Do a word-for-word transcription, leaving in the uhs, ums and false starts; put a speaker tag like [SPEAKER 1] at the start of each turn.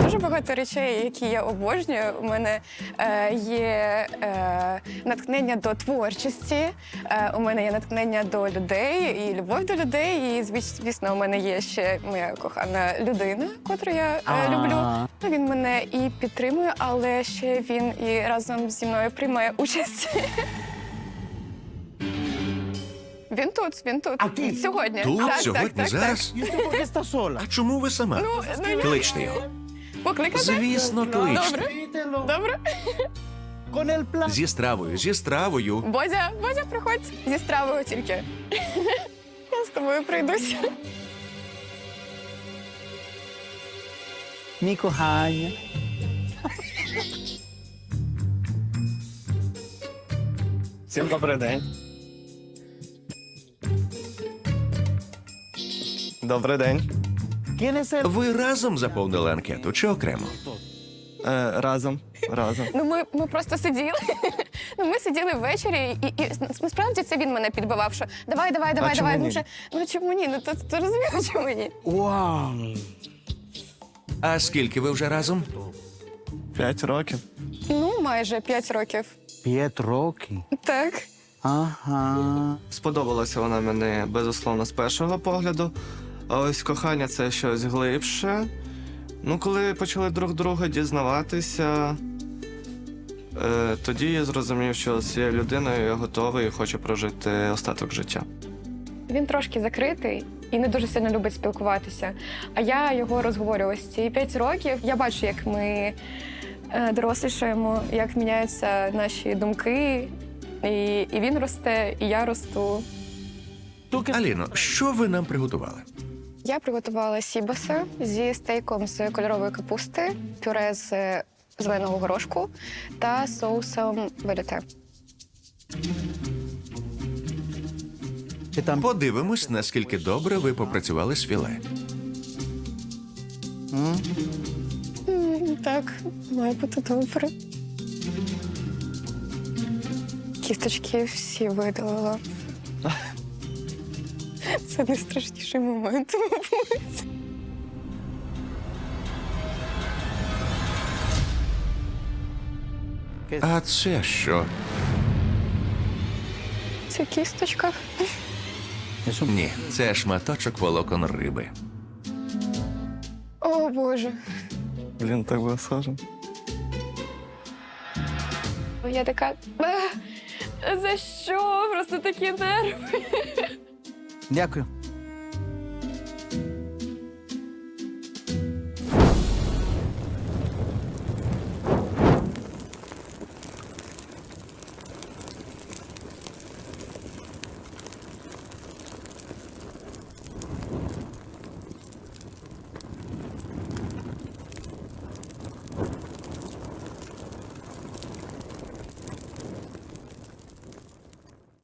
[SPEAKER 1] дуже багато речей, які я обожнюю. У мене е, є е, натхнення до творчості, е, у мене є натхнення до людей і любов до людей. І, звіс- звісно, у мене є ще моя кохана людина, котру я е,
[SPEAKER 2] А.
[SPEAKER 1] люблю. Він мене і підтримує, але ще він і разом зі мною приймає участь. Він тут, він тут.
[SPEAKER 2] А ти?
[SPEAKER 1] Сьогодні.
[SPEAKER 3] Тут,
[SPEAKER 1] Так,
[SPEAKER 3] сьогодні,
[SPEAKER 1] так, так,
[SPEAKER 3] зараз?
[SPEAKER 2] ¿Y usted por qué está sola?
[SPEAKER 3] А чому ви сама?
[SPEAKER 1] Ну, ну, я-
[SPEAKER 3] Кличте його.
[SPEAKER 1] так. Покликати?
[SPEAKER 3] Звісно, кличте.
[SPEAKER 1] Добре,
[SPEAKER 2] Repítelo.
[SPEAKER 1] добре.
[SPEAKER 2] Con el plan.
[SPEAKER 3] Зі стравою, зі стравою.
[SPEAKER 1] Бозя, Бозя, приходь зі стравою тільки. Я з тобою прийдуся.
[SPEAKER 2] Mi кохання.
[SPEAKER 4] Всім добрий день. Добрий день.
[SPEAKER 2] ¿Quién es el...?
[SPEAKER 3] Ви разом заповнили анкету чи окремо?
[SPEAKER 4] Е, разом. Разом.
[SPEAKER 1] Ну, ми, ми просто сиділи. Ну, ми сиділи ввечері, і, і насправді це він мене підбивав, що давай, давай, давай,
[SPEAKER 4] чому
[SPEAKER 1] давай.
[SPEAKER 4] ні?
[SPEAKER 1] Ну, вже, ну чому ні? Ну то, то розумієш, чому ні?
[SPEAKER 2] Вау.
[SPEAKER 3] А скільки ви вже разом?
[SPEAKER 4] П'ять років.
[SPEAKER 1] Ну, майже п'ять років.
[SPEAKER 2] П'ять років.
[SPEAKER 1] Так.
[SPEAKER 2] Ага.
[SPEAKER 4] Сподобалася вона мені, безусловно, з першого погляду. А ось кохання це щось глибше. Ну, коли почали друг друга дізнаватися, е, тоді я зрозумів, що з цією людиною я готовий і хочу прожити остаток життя.
[SPEAKER 1] Він трошки закритий і не дуже сильно любить спілкуватися. А я його розговорюю ось ці п'ять років. Я бачу, як ми е, дорослішаємо, як міняються наші думки. І, і він росте, і я росту.
[SPEAKER 2] ¿Tú qué?
[SPEAKER 3] Аліно, що ви нам приготували?
[SPEAKER 1] Я приготувала сібаса зі стейком з кольорової капусти, пюре з зеленого горошку та соусом велюте.
[SPEAKER 2] ¿Qué tan...
[SPEAKER 3] Подивимось, наскільки добре ви попрацювали з філе.
[SPEAKER 2] М?
[SPEAKER 1] М, Так, має бути добре. Кісточки всі видалила. Це найстрашніший момент, мабуть.
[SPEAKER 3] А це що?
[SPEAKER 1] Це кісточка.
[SPEAKER 2] Eso...
[SPEAKER 3] Ні, це шматочок волокон риби.
[SPEAKER 1] О, Боже.
[SPEAKER 4] Блін, так було схоже.
[SPEAKER 1] Я така. «А, за що? Просто такі нерви.
[SPEAKER 2] Дякую.